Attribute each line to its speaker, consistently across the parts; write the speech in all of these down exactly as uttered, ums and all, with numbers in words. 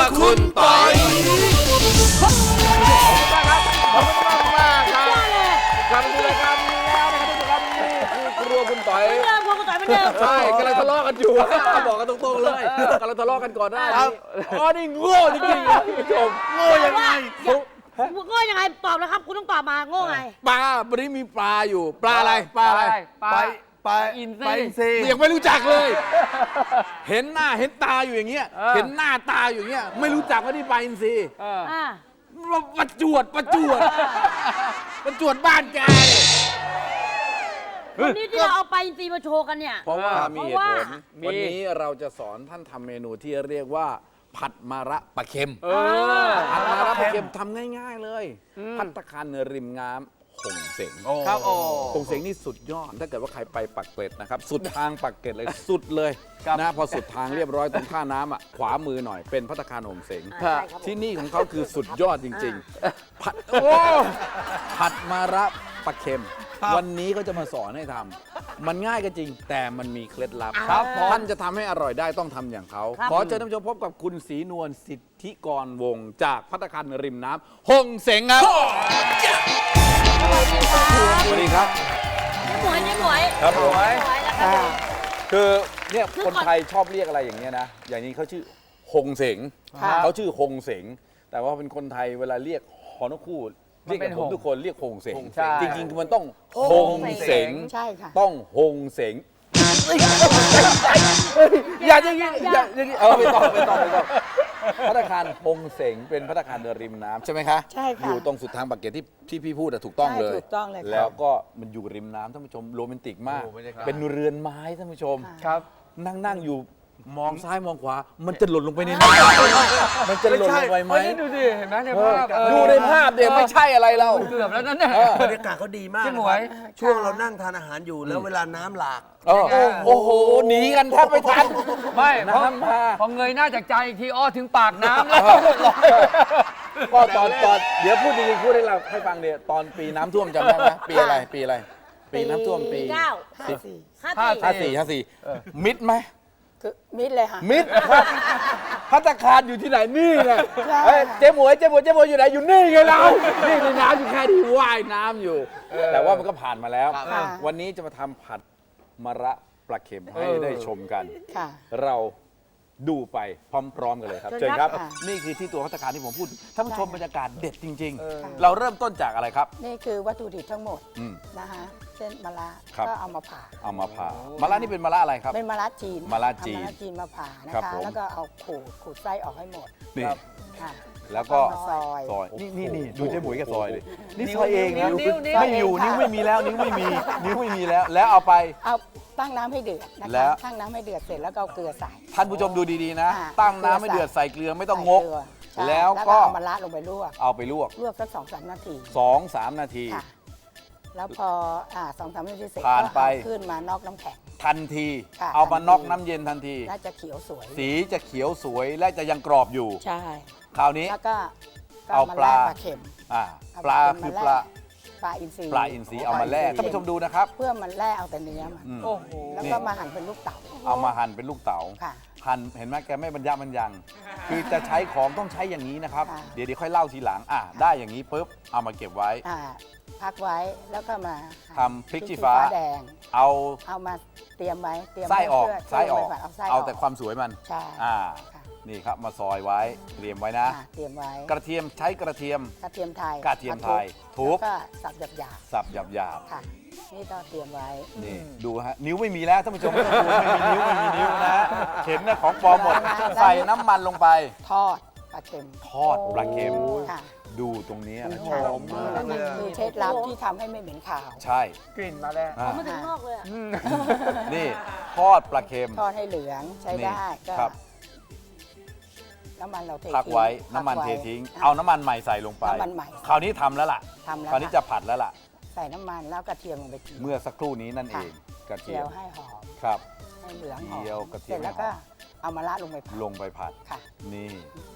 Speaker 1: คุณปอย
Speaker 2: ขอบคุณมากครับขอบคุณมากมากครับกลับมาดูรายการนี้แล้วนะครับทุกท่านนี่คือครัวคุณต่อย
Speaker 3: เหมือนเดิมครัวคุณต่อยเหมือนเดิม
Speaker 2: ใช่กำลังทะเลาะกันอยู่บอกกันตรงๆเลยกำลังทะเลาะกันก่อนหน้านี้อ๋อนี่โง่จริงๆนะคุณผู้ชมโง่ยังไง
Speaker 3: โง่ยังไงตอบแล้วครับคุณต้องตอบมาโง่ไง
Speaker 2: ปลาวันนี้มีปลาอยู่ปลาอะไรปลาอะไร
Speaker 1: ปลาปลาอินทรี
Speaker 2: ยังไม่รู้จักเลย เห็นหน้าเห็นตาอยู่อย่างเงี้ยเห็นหน้าตาอยู่อย่างเงี้ยไม่รู้จักว่านี่ปลาอินทรีประจวดประจวดประจวดบ้านแก
Speaker 3: วันนี้ที่เราเอาไปอินทรีมาโชว์กันเนี่ย
Speaker 2: เพราะว่ามีเหตุผลวันนี้เราจะสอนท่านทำเมนูที่เรียกว่าผัดมะระปลาเค็มผัดมะระปลาเค็มทำง่ายๆเลยภัตตาคารเนื้อริมน้ำหงเสง
Speaker 1: ครับโอ้
Speaker 2: หงเสงนี่สุดยอดถ้าเกิดว่าใครไปปักเกร็ดนะครับสุดทางปักเกร็ดเลยสุดเลยนะพอสุดทางเรียบร้อยตรงท่าน้ำอ่ะขวามือหน่อยเป็นภัตตาคารหงเสงที่นี่ของเขาคือสุดยอดจริงๆผัดโอ้ผัดมะระปลาเค็มวันนี้ก็จะมาสอนให้ทำมันง่ายก็จริงแต่มันมีเคล็ดลับท่านจะทำให้อร่อยได้ต้องทำอย่างเขาขอเชิญท่านผู้ชมพบกับคุณศรีนวลสิทธิกรวงศ์จากภัตตาคารริมน้ำหงเสงครับสวัสดีครับ
Speaker 3: เจ๊หมวยเจ๊หมวย
Speaker 2: ครับหมวย
Speaker 3: แล้วก็
Speaker 2: คือเนี่ยคนไทยชอบเรียกอะไรอย่างเงี้ยนะอย่างนี้เขาชื่อหงเสงเขาชื่อหงเสงแต่ว่าเป็นคนไทยเวลาเรียกฮอนคูดเรียกผมทุกคนเรียกหงเสงจริงๆมันต้องหงเสงต้องหงเสงอย่าอย่างนี้อย่าอย่างนี้เออไปต่อไปต่อไปต่อภัตตาคารหงเสงเป็นภัตตาคารเดินริมน้ำใช่ไหมคะ
Speaker 4: ใช่ค่ะ
Speaker 2: อยู่ตรงสุดทางปากเกร็ดที่ที่พี่พูดถูกต้องเลย
Speaker 4: ถูกต้องเลย
Speaker 2: แล้วก็มันอยู่ริมน้ำท่านผู้ชมโรแมนติกมากเป็นเรือนไม้ท่านผู้ชม
Speaker 1: ครับ
Speaker 2: นั่งนั่งอยู่มองซ้ายมองขวามันจะหล่นลงไปในน้ำมันจะหล่นลงไปไหม
Speaker 1: ดูดิเห็นไหมในภาพ
Speaker 2: ดูในภาพเดี๋ยวไม่ใช่อะไรเรา
Speaker 1: เกือบแล้วนั่นน่ะ
Speaker 5: บรรยากาศเขาดีมาก
Speaker 1: พี่หมวย
Speaker 5: ช่วงเรานั่งทานอาหารอยู่แล้วเวลาน้ำหลาก
Speaker 2: โอ้โหหนีกันแทบไม่ทัน
Speaker 1: ไม่เพราะพอเงยหน้าจากใจอีกทีอ้อถึงปากน้ำแล้ว
Speaker 2: ก็ตอนตอนเดี๋ยวพูดจริงๆพูดให้เราให้ฟังเดี๋ยวตอนปีน้ำท่วมจำได้ไหมปีอะไรปีอะไรปีน้ำท่วมปี
Speaker 3: เก้า
Speaker 4: ห้าสี่
Speaker 2: ห้าสี่ห้าสี่มิดไหม
Speaker 4: คือมิดเลยค่ะ
Speaker 2: มิดภัตตาคารอยู่ที่ไหนนี่ไงเจ๊หมวยเจ๊หมวยเจ๊หมวยอยู่ไหนอยู่นี่ไงเรานี่ในน้ำอยู่แค่ที่ว่ายน้ำอยู่แต่ว่ามันก็ผ่านมาแล้ววันนี้จะมาทำผัดมะระปลาเค็มให้ได้ชมกันเราดูไปพร้อมๆกันเลยครับเชิญครับนี่คือที่ตัวภัตตาคารที่ผมพูดท่านผู้ชมบรรยากาศเด็ดจริงๆเราเริ่มต้นจากอะไรครับ
Speaker 4: นี่คือวัตถุดิบทั้งหมดนะคะเช่นมะระก็เอามาผ่า
Speaker 2: เอามาผ่ามะระนี่เป็นมะระอะไรครับ
Speaker 4: เป็นมะระจีน
Speaker 2: มะระจีน
Speaker 4: มะระจีนมาผ่านะคะแล้วก็เอาขูดขูดไส้ออกให้หมด
Speaker 2: นี่แล้วก็
Speaker 4: ซอย
Speaker 2: ซอยนี่นี่นี่ดูเจ๊หมวยกับซอยเลยนี่ซอยเองนะไม่อยู่นิ้วไม่มีแล้วนิ้วไม่มีนิ้วไม่มีแล้วแล้วเอาไป
Speaker 4: เอาตั้งน้ำให้เดือดนะคะตั้งน้ำให้เดือดเสร็จแล้วก็เอาเกลือใส่
Speaker 2: ท่านผู้ชมดูดีๆนะตั้งน้ำให้เดือดใส่เกลือไม่ต้องงกแล้วก็
Speaker 4: เอามะระลงไปลวก
Speaker 2: เอาไปลวก
Speaker 4: ลวกสักสองสามนาที
Speaker 2: สองสามนาที
Speaker 4: แล้วพออ่าสองสามนาทีเสร็จ
Speaker 2: ผ่านไป
Speaker 4: ขึ้นมานอกน้ำแข็ง
Speaker 2: ทันทีเอามานอกน้ำเย็นทันที
Speaker 4: และจะเขียวสวย
Speaker 2: สีจะเขียวสวยและจะยังกรอบอยู่
Speaker 4: ใช่
Speaker 2: คราวนี้
Speaker 4: แล้วก็
Speaker 2: เอาปลา
Speaker 4: ปลาเค็ม
Speaker 2: อ่าปลาคือปลา
Speaker 4: ปลาอินทรี
Speaker 2: ปลาอินทรีเอามาแล่ท่านผู้ชมดูนะครับ
Speaker 4: เพื่อมันแล่เอาแต่เนื้อมันแล้วก็มาหั่นเป็นลูกเต๋า
Speaker 2: เอามาหั่นเป็นลูกเต๋าหั่นเห็นไหมแกไม่บรรยะบรรยังคือจะใช้ของต้องใช้อย่างนี้นะครับเดี๋ยวเดี๋ยวค่อยเล่าทีหลังอ่ะได้อย่างนี้ปุ๊บเอามาเก็บไว้
Speaker 4: พักไว้แล้วก็มา
Speaker 2: ทำพริกชี้ฟ้า
Speaker 4: แดง
Speaker 2: เอา
Speaker 4: เอามาเตรียมไว้เตรียม
Speaker 2: ไส้ออกไส้ออกเอาแต่ความสวยมัน
Speaker 4: ใช่
Speaker 2: อ่านี่ครับมาซอยไว้เตรียมไว้นะ
Speaker 4: เตรียมไว้
Speaker 2: กระเทียมใช้กระเทียม
Speaker 4: กระเทียมไทย
Speaker 2: กระเทียมไทยทุบ
Speaker 4: ก็สับหยาบหยาบ
Speaker 2: สับหยาบหยาบ
Speaker 4: ค่ะนี่ก็เตรียมไว้
Speaker 2: นี่ดูฮะนิ้วไม่มีแล้วท่านผู้ชมไม่ต้องกลัวไม่มีนิ้วไม่มีนิ้วนะเห็นนะของปลอมหมดใส่น้ำมันลงไป
Speaker 4: ทอดปลาเค็ม
Speaker 2: ทอดปลาเค็มดูตรงนี้นะหอมมาก
Speaker 4: เลยคือเคล็ดลับที่ทำให้ไม่เหม็นขาว
Speaker 2: ใช่
Speaker 1: กลิ่นมาแล้ว
Speaker 3: มาถึงนอกเลย
Speaker 2: นี่ทอดปลาเค็ม
Speaker 4: ทอดให้เหลืองใช้ได้ก็น้ำมันเราเท
Speaker 2: พักไว้น้ำมันเททิ้งเอาน้ำมันใหม่ใส่ลงไป
Speaker 4: น้ำมันใหม่
Speaker 2: คราวนี้ทำแล้วล่ะคราวนี้จะผัดแล้วล่ะ
Speaker 4: ใส่น้ำมันแล้วกระเทียมลงไป
Speaker 2: เมื่อสักครู่นี้นั่นเอง
Speaker 4: กระเทียมให้หอม
Speaker 2: ครับ
Speaker 4: ให้เหลืองหอม
Speaker 2: เจียวกระเทียม
Speaker 4: แล้วก็เอามะระลงไปผัด
Speaker 2: ลงไปผัด
Speaker 4: ค่ะ
Speaker 2: นี่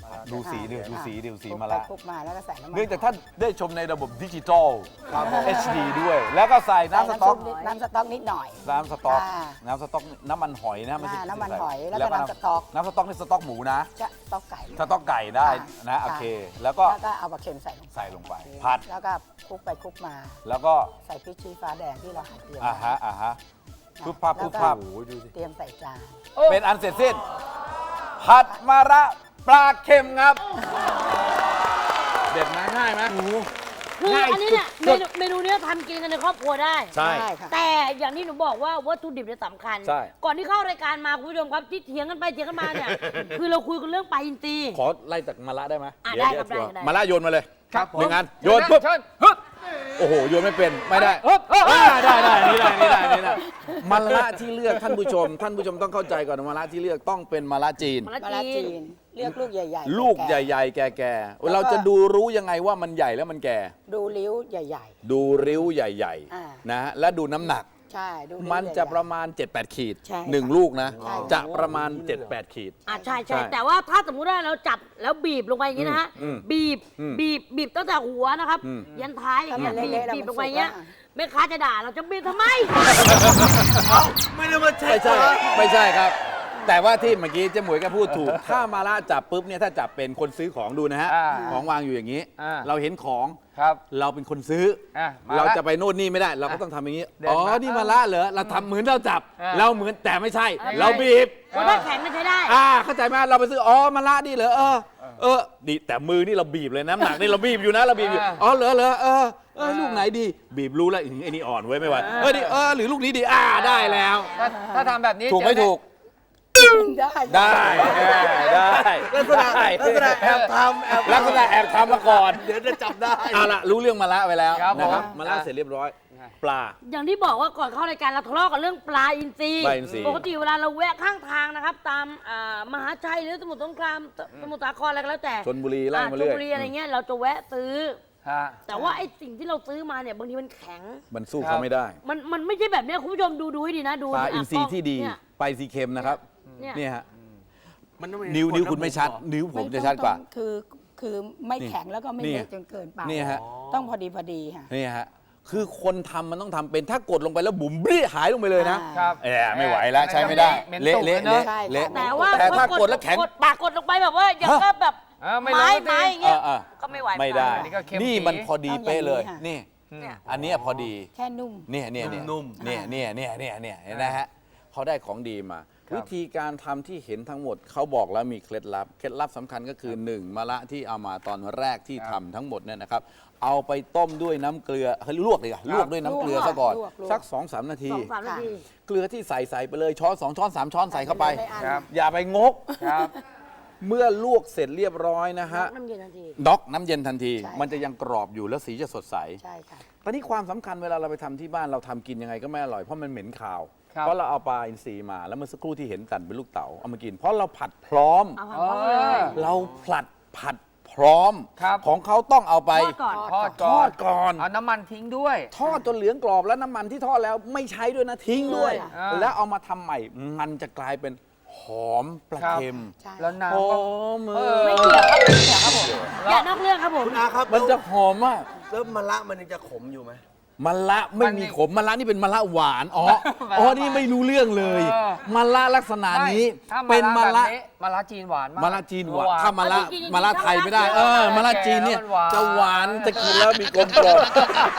Speaker 2: ดูสีดูดูสีดูสี
Speaker 4: คลุก
Speaker 2: มะ
Speaker 4: ไป
Speaker 2: ระ
Speaker 4: คลุกมาแล้วก็ใส่น้ำมัน
Speaker 2: เนื่องจากท่านได้ชมในระบบดิจิทัล เอช ดี ด้วย แล้วก็ใส่
Speaker 4: ใส่
Speaker 2: น้ำสต๊อก
Speaker 4: นิดน้ำสต๊อกนิดหน่อย
Speaker 2: น้ำสต๊อก
Speaker 4: อ่า
Speaker 2: น้ำสต๊อกน้ำมันหอยนะไม่ใช่
Speaker 4: อ่าน้ำมันหอย
Speaker 2: ใส่
Speaker 4: แล้วก็น้ำสต๊อก
Speaker 2: น้ำสต๊อกนี่สต๊อกหมูนะ
Speaker 4: จะต๊อกไก่
Speaker 2: สต๊อกไก่ได้นะโอเค แล้วก็
Speaker 4: แล้วก็เอาปลาเค็มใส่ลงไป
Speaker 2: ใส่ลงไปผัด
Speaker 4: แล้วก็คลุกไปคลุกมา
Speaker 2: แล้วก็
Speaker 4: ใส่พริกชี้ฟ้าแดงที่เราหั่นเตรียม
Speaker 2: อ่าฮะอ่าฮะ
Speaker 4: ไว้
Speaker 2: ปุ๊บพับ
Speaker 4: แล้ว
Speaker 2: ปุ๊บ
Speaker 4: ก็
Speaker 2: พับ
Speaker 4: เตรียมใส่จาน
Speaker 2: เป็นอันเสร็จสิ้นผัดมะระปลาเค็มครับ เด็ดไหมง่ายไหม
Speaker 3: คืออันนี้เนี่ยเมนูเมนูเนี้ยทำกินกันในครอบครัวได้
Speaker 2: ใช่
Speaker 4: ได้ค่ะ
Speaker 3: แต่อย่างที่หนูบอกว่าวัตถุดิบเนี่ยสำคัญ
Speaker 2: ใช่
Speaker 3: ก่อนที่เข้ารายการมาคุณผู้ชมครับที่เถียงกันไปเถียงกันมาเนี่ย คือเราคุยกันเรื่องปลาอินทรี
Speaker 2: ขอไล่จากมะระได้ไหม
Speaker 3: อ่ะ
Speaker 2: เดี๋ยว
Speaker 3: ได้ครับ
Speaker 2: เดี๋ยว
Speaker 3: ได้ได้
Speaker 2: มะระโยนมาเลย
Speaker 1: ครับผม
Speaker 2: หนึ่งอันโยนปุ๊บ
Speaker 1: เชิญฮึบ
Speaker 2: โอ้โหโยนไม่เป็นไม่ได้
Speaker 1: ฮึบฮึบ
Speaker 2: อ่าได้ได้นี่ได้นี่ได้นี่ได้มะระที่เลือกท่านผู้ชม ท่านผู้ชมต้องเข้าใจก่อนว่ามะระที่เลือกต้องเป็นมะระจีน
Speaker 3: มะ
Speaker 4: มะ
Speaker 3: ระ
Speaker 4: ระ
Speaker 3: จี
Speaker 4: จี
Speaker 3: น
Speaker 4: นเลือกลูกใหญ่ๆ
Speaker 2: ลูกใ
Speaker 4: แก่
Speaker 2: หญ่ๆ แก่ๆ เราจะดูรู้ยังไงว่ามันใหญ่แล้วมันแก่
Speaker 4: ๆดูริ้วใหญ่
Speaker 2: ดูริ้วใหญ่
Speaker 4: อ่า
Speaker 2: ๆนะฮะและดูน้ำหนัก
Speaker 4: ๆ ใช่ดูริ้ว
Speaker 2: มันจะ
Speaker 4: ใหญ่ๆ
Speaker 2: ประมาณ เจ็ดแปด ขีด
Speaker 4: ใช่ค่ะ
Speaker 2: หนึ่งลูกนะ
Speaker 4: ใช่ค่ะ
Speaker 2: จะประมาณ เจ็ดแปด ขีด
Speaker 3: อ่ะใช่
Speaker 2: ใช่
Speaker 3: ใช่แต่ว่าถ้าสมมุติว่าเราจับแล้วบีบลงไปอย่างนี้นะฮะ
Speaker 2: อืม
Speaker 3: บีบ
Speaker 2: อืม
Speaker 3: บีบบีบตั้งแต่หัวนะครับ
Speaker 2: อืม
Speaker 3: ยันท้ายอย่างเงี้ย
Speaker 4: ถ้ามัน
Speaker 3: บีบ
Speaker 4: เละๆแล้ว
Speaker 3: บีบ
Speaker 4: มัน
Speaker 3: ลงไปอย่างเงี้ย
Speaker 4: สุกอะ
Speaker 3: แม่ค้าจะด่าเราจะบีบทำไม
Speaker 5: ไม่ได้มาเช็
Speaker 2: ไม่
Speaker 5: ค
Speaker 2: ใช่
Speaker 5: เหรอ
Speaker 2: ไม่ใช่ครับ แต่ว่าที่เมื่อกี้เจ๊หมวยก็พูดถูก ถ้ามาละจับปุ๊บเนี่ยถ้าจับเป็นคนซื้อของดูนะฮะ
Speaker 1: อ่า
Speaker 2: ของวางอยู่อย่างนี้
Speaker 1: อ่า
Speaker 2: เราเห็นของ
Speaker 1: ครับ
Speaker 2: เราเป็นคนซื้อ
Speaker 1: อ่ะมา
Speaker 2: เรา
Speaker 1: ละ
Speaker 2: จะไปโน่นนี่ไม่ได้ เราก็ต้องทำอย่างนี้
Speaker 1: เดิน
Speaker 2: อ๋อ
Speaker 1: มา
Speaker 2: นี่มาละเหรอเราทำเหมือนเราจับ
Speaker 1: อ่า
Speaker 2: เราเหมือนแต่ไม่ใช่
Speaker 3: อะไร
Speaker 2: เราบีบ
Speaker 3: คนถ้าแข็งมันใช้ได้
Speaker 2: อ่าเข้าใจไหมเราไปซื้ออ๋อมาละนี่เหรอเออเออดีแต่มือนี่เราบีบเลยน้ำหนักนี่เราบีบอยู่นะเราบีบอยู่อ๋อเหรอเหรอเออเออลูกไหนดี บีบรู้แล้วอื้อไอ้นี่อ่อนไว้ยไม่ไหวเออนี่เออหรือลูกนี้ดีอ่าได้แล้ว
Speaker 1: ถ้าถ้าทำแบบนี้
Speaker 2: ถูกไม่
Speaker 1: เจอ
Speaker 2: ถูก
Speaker 4: ได้
Speaker 2: ได้ได้
Speaker 5: ลักษณะ
Speaker 2: ได้
Speaker 5: ลักษณะแอบทำแอบ
Speaker 2: ลักษณะแอบทำมาก่อน
Speaker 5: เดี๋ยวจะจับได้
Speaker 2: เอาละรู้เรื่องมาละไปแล้ว
Speaker 1: ครับ
Speaker 2: นะครับ
Speaker 1: ผม
Speaker 2: มาละเสร็จเรียบร้อย ปลา
Speaker 3: อย่างที่บอกว่าก่อนเข้ารายการเราทะเลาะกันเรื่องปลาอินทรี
Speaker 2: ปลาอินทรี
Speaker 3: ปกติเวลาเราแวะข้างทางนะครับ ตามอ่ามหาชัยหรือสมุทรสงครามสมุทรสาครอะไรก็แล้วแต่
Speaker 2: ชนบุรีไล่
Speaker 3: อ่
Speaker 2: มา
Speaker 3: ช
Speaker 2: เรื่
Speaker 3: ล
Speaker 2: อย
Speaker 3: บุรีอะไรเงี้ยเราจะแวะซื้อ
Speaker 1: ฮะ
Speaker 3: แต่ว่าไอ้สิ่งที่เราซื้อมาเนี่ยบางทีมันแข็ง
Speaker 2: มันสู้เขาไม่ได้
Speaker 3: มันมันไม่ใช่แบบเนี้ยคุณผู้ชมดูดูให้ดีนะดู
Speaker 2: ปลา
Speaker 3: ะ
Speaker 2: อินทรี
Speaker 3: กล้ง
Speaker 2: ที่ดี
Speaker 3: เนี่ย
Speaker 2: ปลาอินทรีเค็มนะครับ
Speaker 3: เนี่ย
Speaker 2: เนี่ยฮะ
Speaker 5: มันต้องมี
Speaker 2: นิ้ว
Speaker 5: กฎ
Speaker 2: นิ้ว
Speaker 5: ระ
Speaker 2: คุณไม่
Speaker 5: บบ
Speaker 2: ชัด
Speaker 5: เหรอ
Speaker 2: นิ้วผม
Speaker 4: ไ
Speaker 2: จะชัดกว่า
Speaker 4: ต้องคือคือไม่แข็งแล้วก็ไม่
Speaker 2: นี่
Speaker 4: เละจนเกินไป
Speaker 2: นี่ฮะ
Speaker 4: ต้องพอดีพอดีค่ะ
Speaker 2: นี่ฮะ คือคนทำมันต้องทำเป็นถ้ากดลงไปแล้วบุ๋มเบี้ยหายลงไปเลยนะ
Speaker 4: อ่า
Speaker 1: ครับ
Speaker 2: เออไม่ไหวแล้วใช้ไม่ได้
Speaker 1: เหม็น
Speaker 2: เละ
Speaker 1: ตุ่ม
Speaker 2: เละ
Speaker 1: เนอะ
Speaker 2: เละ
Speaker 4: ใช่
Speaker 2: เละ
Speaker 4: ค่ะ
Speaker 3: แต่ว่า
Speaker 2: แต่ถ้า
Speaker 3: พอก
Speaker 2: ดแล้วแข็ง
Speaker 3: กดปากกดลงไปแบบว่าอย่าง
Speaker 2: ฮะ
Speaker 3: ก็แบบ
Speaker 1: เออไม่
Speaker 3: ไม้
Speaker 1: รู้สิ
Speaker 3: ไม้อย่างเงี้ย
Speaker 2: เออเออ
Speaker 3: ก็ไม่ไหว
Speaker 2: ไม่ได้
Speaker 1: อันนี้ก็เค็ม
Speaker 2: นี่
Speaker 1: ปี๋
Speaker 2: มันพอดีเป๊ะเลย
Speaker 4: ต้องอย่าง
Speaker 2: นี่
Speaker 3: เนี่ย
Speaker 2: อันเนี้ยพอดี
Speaker 4: แค่นุ่ม
Speaker 2: เนี่ยเนี่ยเนี่ย
Speaker 5: นุ่ม
Speaker 2: เนี่ยเนี่ยเนี่ยเนี่ยเนี่ยเห็นไหมฮะเขาได้ของดีมา
Speaker 1: ครับ
Speaker 2: วิธีการทำที่เห็นทั้งหมดเขาบอกแล้วมีเคล็ดลับ เคล็ดลับสำคัญก็คือหนึ่งมะระที่เอามาตอนแรกที่ทำทั้งหมดเนี่ยนะครับ เอาไปต้มด้วยน้ำเกลือเขาลวกเลยอะลวกด้วยน้ำเกลือ
Speaker 4: ลวก
Speaker 2: ซะก่อน
Speaker 4: ลวกลวก
Speaker 2: สักสองสามนาที
Speaker 3: สองสามนาที
Speaker 2: เกลือที่ใส่ใส่ไปเลยช้อนสองช้อนสามช้อนใส่เข้าไป
Speaker 4: ใส่อัน
Speaker 1: ครับ
Speaker 2: อย่าไปงก
Speaker 1: ครับ
Speaker 2: เมื่อลวกเสร็จเรียบร้อยนะฮะ
Speaker 3: น้ำเย็นทันที
Speaker 2: ด็อกน้ำเย็นทันที
Speaker 4: ใช่
Speaker 2: มันจะยังกรอบอยู่แล้วสีจะสดใส
Speaker 4: ใช่ค่ะ
Speaker 2: ตอนนี้ความสำคัญเวลาเราไปทำที่บ้านเราทำกินยังไงก็ไม่อร่อยเพราะมันเหม็นคาว
Speaker 1: ครับ
Speaker 2: เพราะเราเอาปลาอินทรีมาแล้วเมื่อสักครู่ที่เห็นตันเป็นลูกเต๋าเอามากิน เพราะเราผัดพร้อม
Speaker 3: เอา
Speaker 1: อ๋อ
Speaker 3: เอาเลย
Speaker 2: เราผลัดผัดพร้อม
Speaker 1: ครับ
Speaker 2: ของเขาต้องเอาไป
Speaker 3: ทอดก่อน
Speaker 1: ทอด
Speaker 2: ท
Speaker 1: ก่อ
Speaker 2: อน ดก่อน
Speaker 1: เอาน้ำมันทิ้งด้วย
Speaker 2: ทอดจนเหลืองกรอบแล้วน้ำมันที่ทอดแล้วไม่ใช้ด้วยนะทิ้งด้วย
Speaker 1: อ่า
Speaker 2: แล้วเอามาทำใหม่มันจะกลายเป็นหอมปลา
Speaker 1: ครับ
Speaker 2: เค็ม
Speaker 4: ใช่
Speaker 1: แล้วน้ำ
Speaker 2: หอ
Speaker 1: ก็
Speaker 2: ม
Speaker 1: เอ
Speaker 2: เอ
Speaker 1: อ
Speaker 2: อ
Speaker 3: ไม่เกี่ยวครับไม่เกี่ยวครับผมอย่านอกเรื่องครับผม
Speaker 5: คุณอาครับ
Speaker 2: มันจะหอมมาก
Speaker 5: แล้วมะละมันยังจะขมอยู่ไหม
Speaker 2: มะละไม่
Speaker 1: มัน
Speaker 2: มี
Speaker 1: นี่
Speaker 2: ขมมะละนี่เป็นมะละหวานอ๋อ
Speaker 1: มะละ
Speaker 2: อ๋อ
Speaker 1: หวาน
Speaker 2: นี่ไม่รู้เรื่องเลย
Speaker 1: เออ
Speaker 2: มะละลักษณะนี้
Speaker 1: ไม่ถ้า
Speaker 2: เป็นมะละ
Speaker 1: แบบนี้มะละจีนหวานมาก
Speaker 2: มะละจีนหวาน
Speaker 1: หวาน
Speaker 2: ถ้ามะละ
Speaker 3: จริงๆ
Speaker 2: มะละไทยไม่ได้ เออมะละจีนเนี่ย
Speaker 1: แก่แล้วมันหวาน
Speaker 2: จะหวานจะกินแล้วมีกลมกล่อม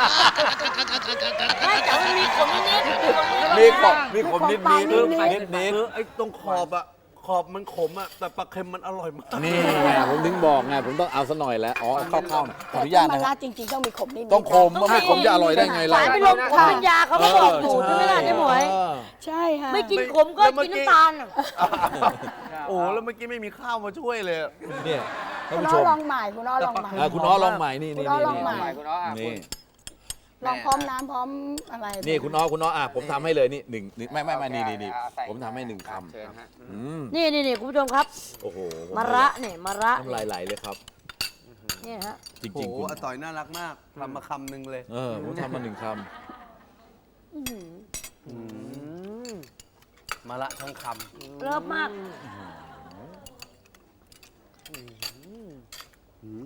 Speaker 3: ไม่แต่มันมีขมนิดๆ
Speaker 2: มีขมมีขมนิดนิด
Speaker 4: นิด
Speaker 2: นิดนิด
Speaker 5: เออไอ้ตรงขอบอะขอบมันขมอะแต่ปลาเค็มมันอร่อยมาก
Speaker 2: นี่ไงผมถึงบอกไงผมต้องเอาซะหน่อยแล้วอ๋อเข้าเข้าขออนุญาต
Speaker 4: แต่
Speaker 2: นะ
Speaker 4: ถ้
Speaker 2: ค
Speaker 4: มะ
Speaker 2: รับ
Speaker 4: ระจริงๆต้องมีขมนิดๆ
Speaker 2: ต้องขม
Speaker 4: นะ
Speaker 2: ไม่ขมจะอร่อยได้ไงล่ะ
Speaker 3: สารเป็นลมขมเป็นยาเขาก็บอกอยู่ใช่ไหมล่ะเจ๊หมวย
Speaker 2: เออ
Speaker 4: ใช่ค่ะ
Speaker 3: ไม่กินขมก็กินน้ำตาล
Speaker 5: โอ้แล้วเมื่อกี้ไม่มีข้าวมาช่วยเลย
Speaker 2: เนี่ยท่าน
Speaker 4: คุณ
Speaker 2: ผู้
Speaker 4: อ้
Speaker 2: ช
Speaker 4: อ
Speaker 2: ม
Speaker 4: ลองใหม่คุณอ้อลองใหม่
Speaker 2: อ่ะคุณอ้อลองใหม่นี่นี่
Speaker 4: คุณอ้อ
Speaker 2: นี่
Speaker 4: ลองใหม่
Speaker 1: ใหม่คุณอ้ออ่ะ
Speaker 2: นี่
Speaker 4: ลองพร้อมน้ำพร้อมอะไร
Speaker 2: นี่คุณอ้อคุณอ้ออ่ะผมทำให้เลยนี่หนึ่งนี่ไม่ไม่ไม่นี่นี่นี่
Speaker 1: เอาใส่
Speaker 2: ผมทำให้หนึ่งค
Speaker 1: เชิญฮะ
Speaker 2: ำอืม
Speaker 3: นี่นี่นี่คุณผู้ชมครับ
Speaker 2: โอ้โหผม
Speaker 3: มะระเนี่ยมะระ
Speaker 2: น้ำลายไหลเลยครับ
Speaker 3: เนี่ยฮะ
Speaker 2: จริง
Speaker 5: โอ้
Speaker 2: จริง
Speaker 5: โห
Speaker 2: คุณ
Speaker 5: อาต่อยน่ารักมากทำมาคำหนึ่งเลย
Speaker 2: เออผมทำมาหนึ่งค
Speaker 3: อื้อหือ
Speaker 5: มาละทั้งค
Speaker 3: เลิฟมาก
Speaker 2: ำ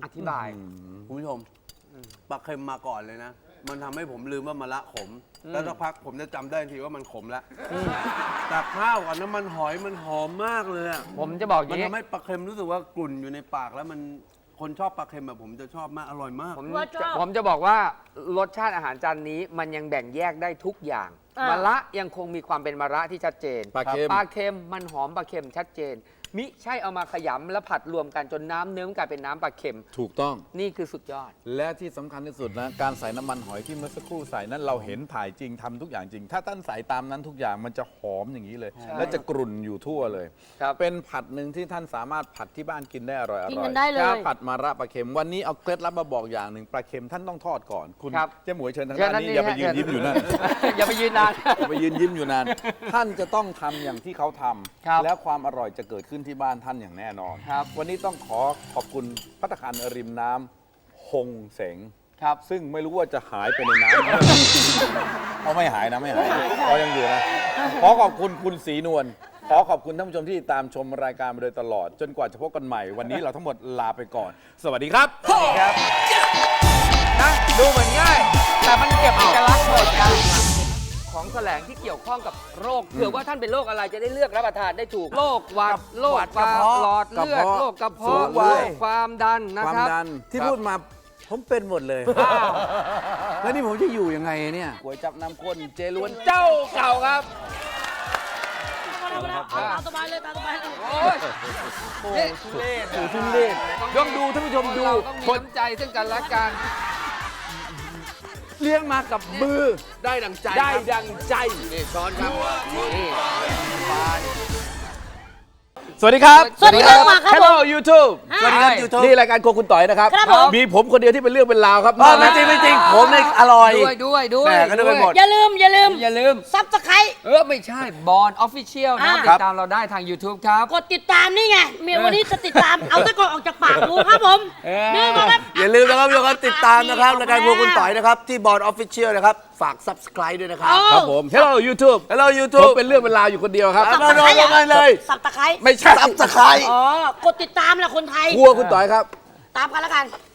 Speaker 1: อธิบาย
Speaker 5: คุณผู้ชมปลาเค็มมาก่อนเลยนะ มันทำให้ผมลืมว่ามะระขม แล้วสักพักผมจะจำได้ทันทีว่ามันขมแล้วแต่ข้าวกับน้ำมันหอยมันหอมมากเลยอะ
Speaker 1: ผมจะบอกอ
Speaker 5: มัน
Speaker 1: ย่างนี้
Speaker 5: ทำให้ปลาเค็มรู้สึกว่ากลุ่นอยู่ในปากแล้วมันคนชอบปลาเค็มแบบผมจะชอบมากอร่อยมาก
Speaker 1: ผม
Speaker 3: ว่าช
Speaker 1: จะ
Speaker 3: อบ
Speaker 1: ผมจะบอกว่ารสชาติอาหารจานนี้มันยังแบ่งแยกได้ทุกอย่าง
Speaker 3: อ่ะ
Speaker 1: มะระยังคงมีความเป็นมะระที่ชัดเจน
Speaker 2: ปลาเค็ม
Speaker 1: ปลาเค็มมันหอมปลาเค็มชัดเจน มิใช่เอามาขยำแล้วผัดรวมกันจนน้ำเนื้อมันกลายเป็นน้ำปลาเค็ม
Speaker 2: ถูกต้อง
Speaker 1: นี่คือสุดยอด
Speaker 2: และที่สำคัญที่สุดนะการใส่น้ำมันหอยที่เมื่อสักครู่ใส่นั้นเราเห็นถ่ายจริงทำทุกอย่างจริง ถ้าท่านใส่ตามนั้นทุกอย่างมันจะหอมอย่างนี้เลย และจะกรุ่นอยู่ทั่วเลย
Speaker 1: ครับ
Speaker 2: เป็นผัดหนึ่งที่ท่านสามารถผัดที่บ้านกินได้อร่อยอ
Speaker 3: กิน
Speaker 2: ร่อ
Speaker 3: กั
Speaker 2: ย
Speaker 3: นได้เลย
Speaker 2: ผัดมาระปลาเค็มวันนี้เอาเคล็ดลับมาบอกอย่างหนึ่งปลาเค็มท่านต้องทอดก่อนคุณ
Speaker 1: ครับ
Speaker 2: เจ๊หมวยเชิญทาง
Speaker 1: เชิญ
Speaker 2: ด้าน
Speaker 1: นั่น
Speaker 2: นี้
Speaker 1: นี่
Speaker 2: อย่าไป
Speaker 1: ฮะ
Speaker 2: ยืนยิ้มอยู่นั่น
Speaker 1: อย่าไปยืนนาน
Speaker 2: อย่าไปยืนยิ้มอยู่นาน ท่านจะต้องทำอย่างที่เขาทำ
Speaker 1: ครับ
Speaker 2: แล้วความอร่อยจะเกิดขึ้นที่บ้านท่านอย่างแน่นอน
Speaker 1: ครับ
Speaker 2: วันนี้ต้องขอขอบคุณภัตตาคารริมน้ำฮงเสง
Speaker 1: ครับ
Speaker 2: ซึ่งไม่รู้ว่าจะหายไปในน้ำ เขาไม่หายนะไม่หายเขายังอยู่นะ ขอขอบคุณคุณศรีนวล ขอขอบคุณท่านผู้ชมที่ตามชมรายการมาโดยตลอด จนกว่าจะพบกันใหม่ วันนี้เราทั้งหมดลาไปก่อน สวัสดีครับ
Speaker 1: ครับนะดูเหมือนง่าย แต่มันเก็บเอกลักษณ์หมดกันของแสลงที่เกี่ยวข้องกับโรคเผื่อว่าท่านเป็นโรคอะไรจะได้เลือกรับประทานได้ถูกโรคหวัดโรค
Speaker 5: หวัด
Speaker 1: ปาก
Speaker 5: ระเพาะ
Speaker 1: หลอดเลือด
Speaker 2: กระเพาะ
Speaker 1: โรคกระ
Speaker 2: สู
Speaker 1: เพาะ
Speaker 2: งวัย
Speaker 1: โรคความดันนะ
Speaker 2: ความ
Speaker 1: ครับ
Speaker 2: ดันที่พูดมาผมเป็นหมดเลย แล้วนี่ผมจะอยู่ยังไงเนี่ยก๋วยจับน้ำข้นเจล้วน
Speaker 1: เจ้าเก่าครับ
Speaker 3: เอาตามสบายเลยตามสบายเลย
Speaker 1: โอ้ยนี่ทุเรศ
Speaker 2: โอ้ทุเรศต้องดูท่านผู้ชมดู
Speaker 1: เราต้องมี
Speaker 2: คน
Speaker 1: น้ำใจซึ่งกันและกัน
Speaker 2: เลี้ยงมากับมือ
Speaker 5: ได้ดังใจ
Speaker 2: ได้
Speaker 5: ครับ
Speaker 2: ดังใจ
Speaker 1: นี่ช้อนครับนี่
Speaker 2: สวัสดีครับ
Speaker 3: สวัสดีครับมาครับ
Speaker 2: Hello YouTube
Speaker 3: สวัสดีครับ
Speaker 5: YouTube
Speaker 2: นี่รายการโครัวคุณต่อยนะครับ
Speaker 3: ครับผม
Speaker 2: มีผมคนเดียวที่เป็นเรื่องเป็นราวครับ
Speaker 5: อ๋อไม่จริงไม่จริงผมเนี่ยอร่อย
Speaker 1: ด้วยด้วยด้วย
Speaker 5: แหม่ก็นึกไปหมด
Speaker 3: อย่าลืมอย่าลืม
Speaker 1: อย่าลืม
Speaker 3: ซับสไคร
Speaker 1: เออ ไม่ใช่บอลออฟฟิเชียลนะ
Speaker 3: อ่า
Speaker 1: ติดตามเราได้ทาง YouTube ครับ
Speaker 3: กดติดตามนี่ไงเมียวันนี้จะติดตาม เอาตะกอนออกจากปากกูครับผม
Speaker 1: เออ
Speaker 3: นี่มาครับ
Speaker 5: อย่าลืมนะครับทุกคนติดตามนะครับรายการพวกคุณต่อยนะครับที่บอร์ดออฟฟิเชียลนะครับฝาก Subscribe ด้วยนะครับ
Speaker 2: ครับผม Hello YouTube
Speaker 5: Hello
Speaker 2: ผม
Speaker 5: YouTube
Speaker 2: เป็นเรื่องเป็นราวอยู่คนเดียวครับ
Speaker 5: มาโดนกันเลย
Speaker 3: สับตะไคร้
Speaker 2: ไม่ใช่
Speaker 5: Subscribe
Speaker 3: อ๋อกดติดตามแหละคนไทย
Speaker 2: ครัวคุณต่อยครับ
Speaker 3: ตามกันแล้วกัน